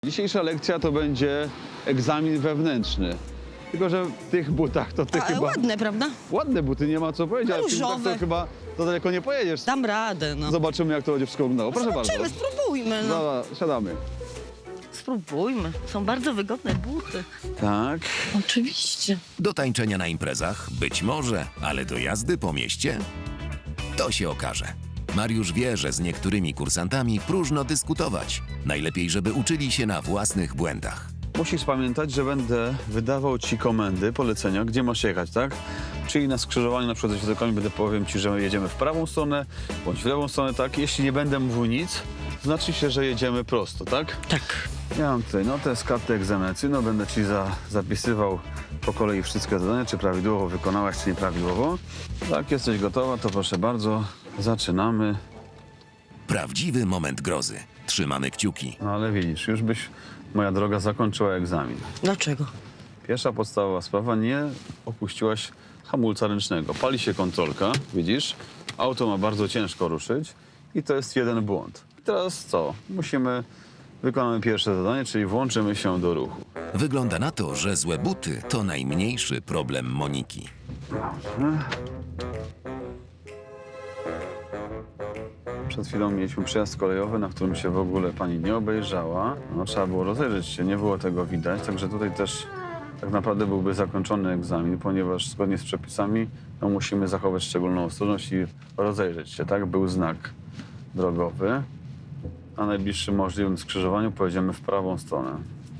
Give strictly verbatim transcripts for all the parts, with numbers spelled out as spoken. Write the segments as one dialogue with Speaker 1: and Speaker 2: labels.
Speaker 1: Dzisiejsza lekcja to będzie egzamin wewnętrzny. Tylko że w tych butach to ty
Speaker 2: A,
Speaker 1: chyba...
Speaker 2: ładne, prawda?
Speaker 1: Ładne buty, nie ma co powiedzieć, ale w tych butach
Speaker 2: Różowe.
Speaker 1: to chyba to daleko nie pojedziesz.
Speaker 2: Dam radę, no.
Speaker 1: Zobaczymy, jak to będzie wszystko wyglądało. Proszę
Speaker 2: Zobaczymy,
Speaker 1: bardzo.
Speaker 2: spróbujmy, no.
Speaker 1: Dobra, siadamy.
Speaker 2: Spróbujmy. Są bardzo wygodne buty.
Speaker 1: Tak.
Speaker 2: Oczywiście.
Speaker 3: Do tańczenia na imprezach? Być może, ale do jazdy po mieście? To się okaże. Mariusz wie, że z niektórymi kursantami próżno dyskutować. Najlepiej, żeby uczyli się na własnych błędach.
Speaker 1: Musisz pamiętać, że będę wydawał ci komendy, polecenia, gdzie masz jechać, tak? Czyli na skrzyżowaniu na przykład ze światełkami będę powiem ci, że jedziemy w prawą stronę, bądź w lewą stronę, tak? Jeśli nie będę mówił nic, znaczy się, że jedziemy prosto, tak?
Speaker 2: Tak.
Speaker 1: Ja mam tutaj notę z karty egzaminacyjną, będę ci za, zapisywał po kolei wszystkie zadania, czy prawidłowo wykonałaś, czy nieprawidłowo. Tak, jesteś gotowa, to proszę bardzo, zaczynamy.
Speaker 3: Prawdziwy moment grozy. Trzymamy kciuki.
Speaker 1: No ale widzisz, już byś, moja droga, zakończyła egzamin.
Speaker 2: Dlaczego?
Speaker 1: Pierwsza podstawowa sprawa, nie opuściłaś hamulca ręcznego. Pali się kontrolka, widzisz? Auto ma bardzo ciężko ruszyć i to jest jeden błąd. I teraz co? Musimy, wykonamy pierwsze zadanie, czyli włączymy się do ruchu.
Speaker 3: Wygląda na to, że złe buty to najmniejszy problem Moniki.
Speaker 1: Przed chwilą mieliśmy przejazd kolejowy, na którym się w ogóle pani nie obejrzała. No, trzeba było rozejrzeć się, nie było tego widać, także tutaj też tak naprawdę byłby zakończony egzamin, ponieważ zgodnie z przepisami no, musimy zachować szczególną ostrożność i rozejrzeć się, tak? Był znak drogowy. Na najbliższym możliwym skrzyżowaniu pojedziemy w prawą stronę.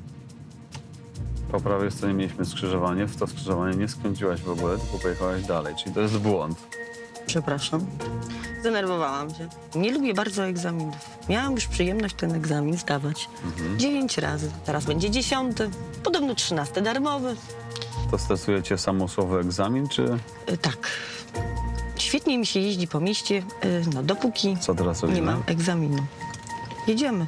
Speaker 1: Po prawej stronie mieliśmy skrzyżowanie, w to skrzyżowanie nie skręciłaś w ogóle, tylko pojechałaś dalej, czyli to jest błąd.
Speaker 2: Przepraszam. Zdenerwowałam się. Nie lubię bardzo egzaminów. Miałam już przyjemność ten egzamin zdawać. Dziewięć razy. Teraz będzie dziesiąty. Podobno trzynasty darmowy.
Speaker 1: To stresuje cię samo słowo egzamin, czy
Speaker 2: Y, tak. Świetnie mi się jeździ po mieście, y, no dopóki
Speaker 1: co teraz robimy?
Speaker 2: nie mam egzaminu. Jedziemy.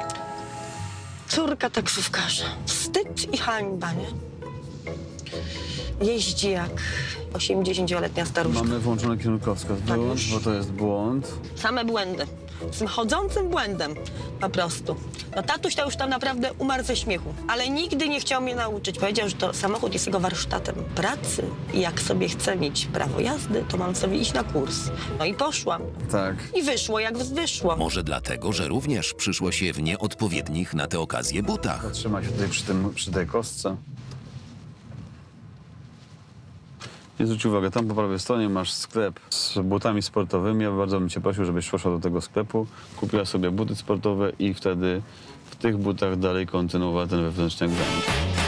Speaker 2: Córka taksówkarza. Wstyd i hańba, nie? Jeździ jak osiemdziesięcioletnia staruszka.
Speaker 1: Mamy włączony kierunkowskaz.
Speaker 2: Tak,
Speaker 1: Wyłącz,
Speaker 2: już.
Speaker 1: bo to jest błąd.
Speaker 2: Same błędy. Z tym chodzącym błędem po prostu. No tatuś to już tam naprawdę umarł ze śmiechu, ale nigdy nie chciał mnie nauczyć. Powiedział, że to samochód jest jego warsztatem pracy i jak sobie chcę mieć prawo jazdy, to mam sobie iść na kurs. No i poszłam.
Speaker 1: Tak.
Speaker 2: I wyszło jak wyszło.
Speaker 3: Może dlatego, że również przyszło się w nieodpowiednich na tę okazję butach.
Speaker 1: Zatrzymaj się tutaj przy, tym, przy tej kostce. Nie zwróć uwagi, tam po prawej stronie masz sklep z butami sportowymi. Ja bardzo bym cię prosił, żebyś poszła do tego sklepu, kupiła sobie buty sportowe i wtedy w tych butach dalej kontynuowała ten wewnętrzny egzamin.